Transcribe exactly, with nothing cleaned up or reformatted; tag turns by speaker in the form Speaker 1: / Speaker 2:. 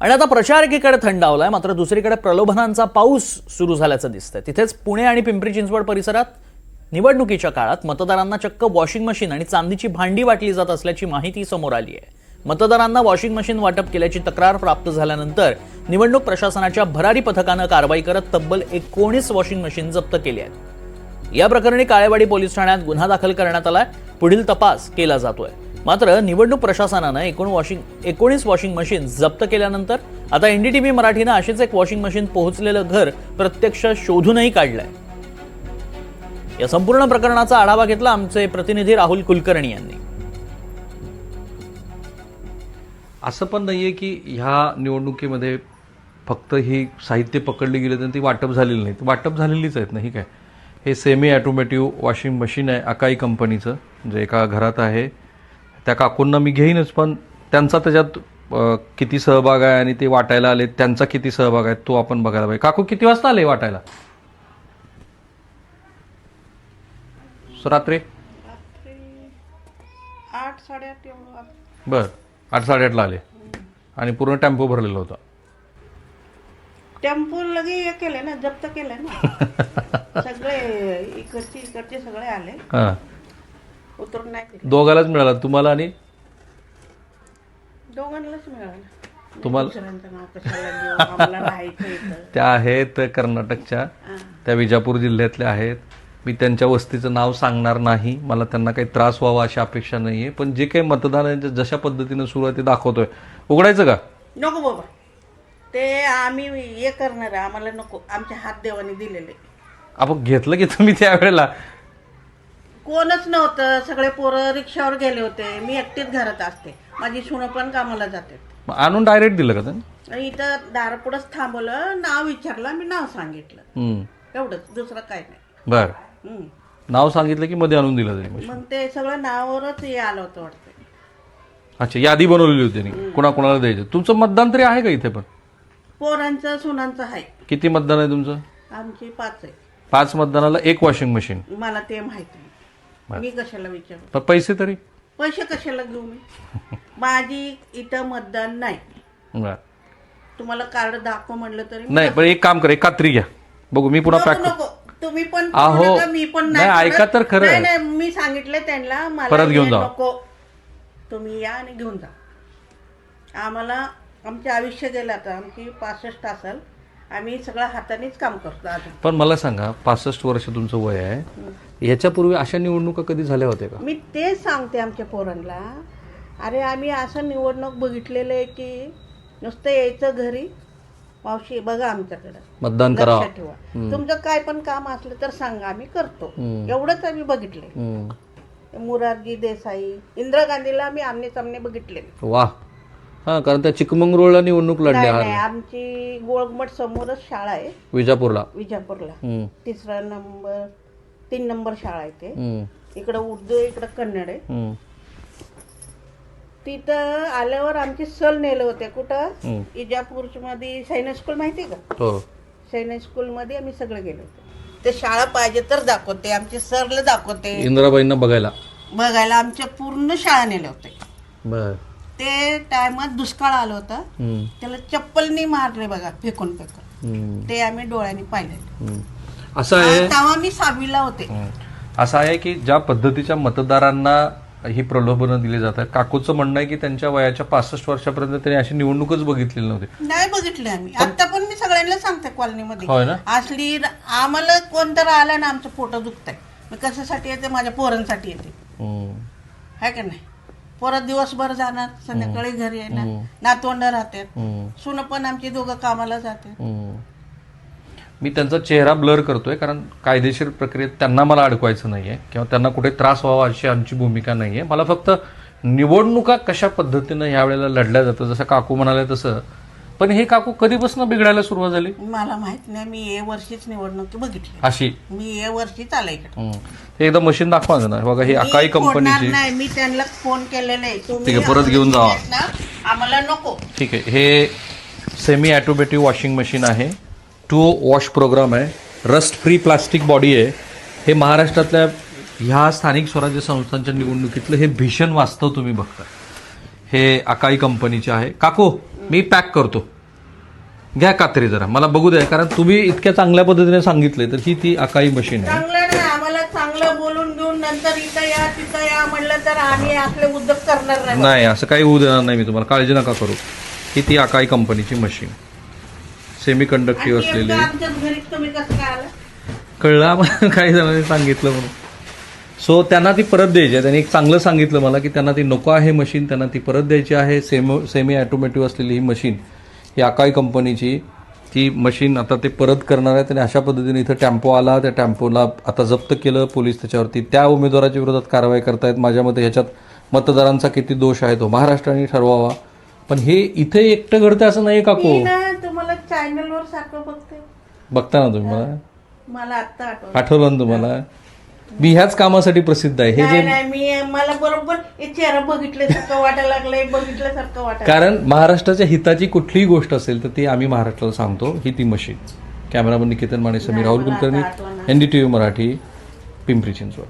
Speaker 1: आणि आता प्रचार एकीकडे थंडावलाय, मात्र दुसरीकडे प्रलोभनांचा पाऊस सुरू झाल्याचं दिसतंय. तिथेच पुणे आणि पिंपरी चिंचवड परिसरात निवडणुकीच्या काळात मतदारांना चक्क वॉशिंग मशीन आणि चांदीची भांडी वाटली जात असल्याची माहिती समोर आली आहे. मतदारांना वॉशिंग मशीन वाटप केल्याची तक्रार प्राप्त झाल्यानंतर निवडणूक प्रशासनाच्या भरारी पथकानं कारवाई करत तब्बल एकोणीस वॉशिंग मशीन जप्त केली आहेत. या प्रकरणी काळेवाडी पोलीस ठाण्यात गुन्हा दाखल करण्यात आलाय. पुढील तपास केला जातोय. मात्र निवडणूक प्रशासनानं एकूण वॉशिंग एकोणीस वॉशिंग मशीन जप्त केल्यानंतर आता एनडीटीव्ही मराठीनं अशीच एक वॉशिंग मशीन पोहोचलेलं घर प्रत्यक्ष शोधूनही काढलंय. या संपूर्ण प्रकरणाचा आढावा घेतला आमचे प्रतिनिधी राहुल कुलकर्णी यांनी.
Speaker 2: असं पण नाहीये की ह्या निवडणुकीमध्ये फक्त ही साहित्य पकडली गेली तर ती वाटप झालेली नाही. वाटप झालेलीच आहेत नाही काय. हे सेमी ॲटोमॅटिव्ह वॉशिंग मशीन आहे अकाई कंपनीचं, जे एका घरात आहे. त्या काकूंना मी घेईनच, पण त्यांचा त्याच्यात किती सहभाग आहे आणि ते वाटायला आले त्यांचा किती सहभाग आहे तो आपण बघायला पाहिजे. काकू किती वाजता आले वाटायला? रात्री
Speaker 3: आठ साडेआठ एवढं.
Speaker 2: बर, आठ साडेआठला आले आणि पूर्ण टेम्पो भरलेला होता.
Speaker 3: टेम्पो लगे हे केले ना, जप्त केले ना सगळे. इकडचे इकडचे सगळे आले,
Speaker 2: हां.
Speaker 3: उतरून नाही दिले.
Speaker 2: दोघालाच मिळाला, तुम्हाला आणि
Speaker 3: दोघांनाच मिळालं.
Speaker 2: तुम्हाला
Speaker 3: दुसऱ्यांचं नाव कशाला घेऊ, आम्हाला राहायचं इथं.
Speaker 2: त्या आहेत कर्नाटकच्या, त्या विजापूर जिल्ह्यातल्या आहेत. मी त्यांच्या वस्तीचं नाव सांगणार नाही, मला त्यांना काही त्रास व्हावा अशी अपेक्षा नाही आहे. पण जे काही मतदानाच्या जशा पद्धतीनं सुरू आहे ते दाखवतोय. उघडायचं का?
Speaker 3: नको बाबा, ते आम्ही हे करणार आहे, आम्हाला नको. आमच्या हात देवाने दिलेले.
Speaker 2: आपण घेतलं की तुम्ही त्यावेळेला?
Speaker 3: कोणच नव्हतं, सगळे पोरं रिक्षावर गेले होते. मी एकटीच घरात असते, माझी सुनं पण कामाला जाते.
Speaker 2: मग आणून डायरेक्ट दिलं का त्यांनी?
Speaker 3: आणि इथं दारापुढंच थांबवलं, नाव विचारलं, मी नाव सांगितलं,
Speaker 2: हम्म.
Speaker 3: एवढंच, दुसरं काय नाही.
Speaker 2: बर,
Speaker 3: हम्म.
Speaker 2: नाव सांगितलं की मध्ये आणून दिलं त्यांनी.
Speaker 3: मग ते सगळं नावावरच हे आलं होतं वाटतं.
Speaker 2: अच्छा, यादी बनवलेली होती त्यांनी कुणा कुणाला द्यायचं. तुमचं मतदान तरी आहे का इथे? पण
Speaker 3: पोरांचं सुनांचं आहे.
Speaker 2: किती मतदान आहे तुमचं?
Speaker 3: आमची पाच आहे.
Speaker 2: पाच मतदानाला एक वॉशिंग मशीन.
Speaker 3: मला ते माहिती नाही, मी कशाला विचारू.
Speaker 2: पण पैसे तरी?
Speaker 3: पैसे कशाला घेऊ मी? माझी इथं मतदान नाही.
Speaker 2: बर,
Speaker 3: तुम्हाला कार्ड दाखव म्हणलं तरी मी
Speaker 2: नाही. पण एक काम कर, एक कात्री घ्या बघू, मी पुन्हा
Speaker 3: नको,
Speaker 2: पॅक
Speaker 3: नको. तुम्ही पण
Speaker 2: आहो.
Speaker 3: करू नका, मी पण
Speaker 2: नाही, ऐका तर खरं.
Speaker 3: नाही, नाही, मी सांगितलं त्यांना, मला
Speaker 2: परत घेऊन
Speaker 3: हे
Speaker 2: जा.
Speaker 3: नको. तुम्ही या आणि घेऊन जा. आम्हाला आमचे आयुष्य गेलं आता, आमची पासष्ट असेल, आम्ही सगळं हातानेच काम करतो अजून.
Speaker 2: पण मला सांगा, पासष्ट वर्ष तुमचं वय आहे, याच्यापूर्वी अशा निवडणुका कधी झाल्या होत्या का?
Speaker 3: मी तेच सांगते आमच्या पोरांना. अरे आम्ही असं निवडणूक बघितलेलं आहे की नुसतं यायचं घरी, मावशी बघा आमच्याकडं,
Speaker 2: मतदान करा,
Speaker 3: लक्षात ठेवा, तुमचं काय पण काम असलं तर सांगा, आम्ही करतो. एवढंच आम्ही बघितले. मोरारजी देसाई, इंदिरा गांधीला आम्ही आमने सामने बघितले.
Speaker 2: वा. हा, कारण त्या चिकमंगळूरला निवडणूक
Speaker 3: नाही,
Speaker 2: लढल्या
Speaker 3: नाही, आमची गोळघुमट समोरच शाळा आहे,
Speaker 2: विजापूरला.
Speaker 3: विजापूरला.
Speaker 2: हम्म.
Speaker 3: तिसरा नंबर, तीन नंबर शाळा आहे ते.
Speaker 2: हम्म.
Speaker 3: इकडं उर्दू आहे, इकडं कन्नड आहे.
Speaker 2: हम्म.
Speaker 3: तिथं आल्यावर आमची सल नेलं होते. कुठं?
Speaker 2: हम्म.
Speaker 3: इजापूर मध्ये सैनिक स्कूल माहिती का?
Speaker 2: हो.
Speaker 3: सैनिक स्कूल मध्ये आम्ही सगळे गेलो होतो. ते शाळा पाहिजे तर दाखवते, आमचे सरला दाखवते,
Speaker 2: इंदिराबाईंना बघायला
Speaker 3: बघायला आमच्या पूर्ण शाळा नेले होते.
Speaker 2: बर.
Speaker 3: ते टायमात दुष्काळ आलं होतं,
Speaker 2: हम्म.
Speaker 3: त्याला चप्पलनी मारले बघा, फेकून फेकून.
Speaker 2: हम्म.
Speaker 3: ते आम्ही डोळ्यांनी पाहिले.
Speaker 2: हम्म. असं आहे,
Speaker 3: तेव्हा मी सहावीला होते.
Speaker 2: असं आहे की ज्या पद्धतीच्या मतदारांना ही प्रलोभनं दिली जातात, काकूचं म्हणणं आहे की त्यांच्या वयाच्या पासष्ट वर्षापर्यंत त्यांनी अशी निवडणूकच बघितलेली नव्हती.
Speaker 3: नाही बघितले आम्ही. आता पण मी सगळ्यांना सांगते कॉलनीमध्ये,
Speaker 2: होय ना?
Speaker 3: असली आम्हाला कोणतर आला ना, आमचं पोट दुखतंय, मी कशासाठी येते? माझ्या पोरांसाठी येते,
Speaker 2: हम्म.
Speaker 3: आहे का नाही? परत दिवसभर जाणार, संध्याकाळी घरी येणार,
Speaker 2: हम्म.
Speaker 3: नातवंड राहतात,
Speaker 2: हम्म.
Speaker 3: सुन पण आमची दोघं कामाला जाते.
Speaker 2: हम्म. मी त्यांचा चेहरा ब्लर करतोय कारण कायदेशीर प्रक्रियेत त्यांना मला अडकवायचं नाहीये किंवा त्यांना कुठे त्रास व्हावा अशी आमची भूमिका नाहीये. मला फक्त निवडणुका कशा पद्धतीनं ह्या वेळेला लढल्या जातं, जसं काकू म्हणाले तसं. पण हे काकू कधीपासून बिघडायला सुरुवात झाली?
Speaker 3: मला माहित नाही, मी ए वर्षीच निवडणूक बघितली.
Speaker 2: अशी
Speaker 3: मी ए वर्षीच आला इकडे.
Speaker 2: हे एकदा मशीन दाखवा ना. बघा, ही अकाई
Speaker 3: मी फोडणार
Speaker 2: कंपनीची.
Speaker 3: नाही, मी त्यांना फोन केलेला आहे. तुम्ही
Speaker 2: ठीक आहे, परत घेऊन जावा.
Speaker 3: ना, आम्हाला नको.
Speaker 2: ठीक आहे, हे सेमी ॲटोमॅटिव्ह वॉशिंग मशीन आहे. टू वॉश प्रोग्राम आहे, रस्ट फ्री प्लास्टिक बॉडी आहे. हे महाराष्ट्रातल्या ह्या स्थानिक स्वराज्य संस्थांच्या निवडणुकीतलं हे भीषण वास्तव तुम्ही बघता. हे अकाई कंपनीचे आहे. काकू मी पॅक करतो. घ्या कात्री जरा, मला बघू द्या, कारण तुम्ही इतक्या चांगल्या पद्धतीने सांगितले तर ही ती अकाई मशीन आहे.
Speaker 3: चांगलं नाही, आम्हाला चांगलं बोलून घेऊन नंतर इथं या तिथं या म्हणलं तर आम्ही आपले उद्योग करणार नाही.
Speaker 2: नाही, असं काही होऊ देणार नाही मी तुम्हाला, काळजी नका करू. ही ती अकाई कंपनीची मशीन, सेमी कंडक्टिव्ह
Speaker 3: आणि
Speaker 2: असलेली.
Speaker 3: एकदा आमच्याच घरी तुम्ही कसं काय आला?
Speaker 2: कळलं आम्हाला, काही जणांनी सांगितलं म्हणून. सो त्यांना ती परत द्यायची आहे. त्यांनी एक चांगलं सांगितलं मला की त्यांना ती नको आहे मशीन, त्यांना ती परत द्यायची आहे. सेमो सेमी ॲटोमॅटिव्ह असलेली ही मशीन, ही अकाई कंपनीची ती मशीन आता ते परत करणार आहेत. आणि अशा पद्धतीने इथं टेम्पो आला, त्या टेम्पोला आता जप्त केलं पोलीस. त्याच्यावरती त्या उमेदवाराच्या विरोधात कारवाई करतायत. माझ्या मते ह्याच्यात मतदारांचा किती दोष आहे तो महाराष्ट्राने ठरवावा. पण हे इथे एकटं घडतं असं नाही काको.
Speaker 3: मी ना तुम्हाला चॅनलवर सारखं बघते,
Speaker 2: बघता ना तुम्ही मला,
Speaker 3: मला आत्ता आठवलं.
Speaker 2: आठवलं ना तुम्हाला. मी ह्याच कामासाठी प्रसिद्ध आहे. हे
Speaker 3: नाही
Speaker 2: जे
Speaker 3: नाही, मी मला बरोबर हे चेहरा बघितल्यासारखं वाटायला लागलंय, बघितल्यासारखं वाटायला.
Speaker 2: कारण महाराष्ट्राच्या हिताची कुठलीही गोष्ट असेल तर ती आम्ही महाराष्ट्राला सांगतो. ही ती machine. Cameraman Niketan Mane, Sameer Rahul Kulkarni, N D T V Marathi, Pimpri Chinchwad.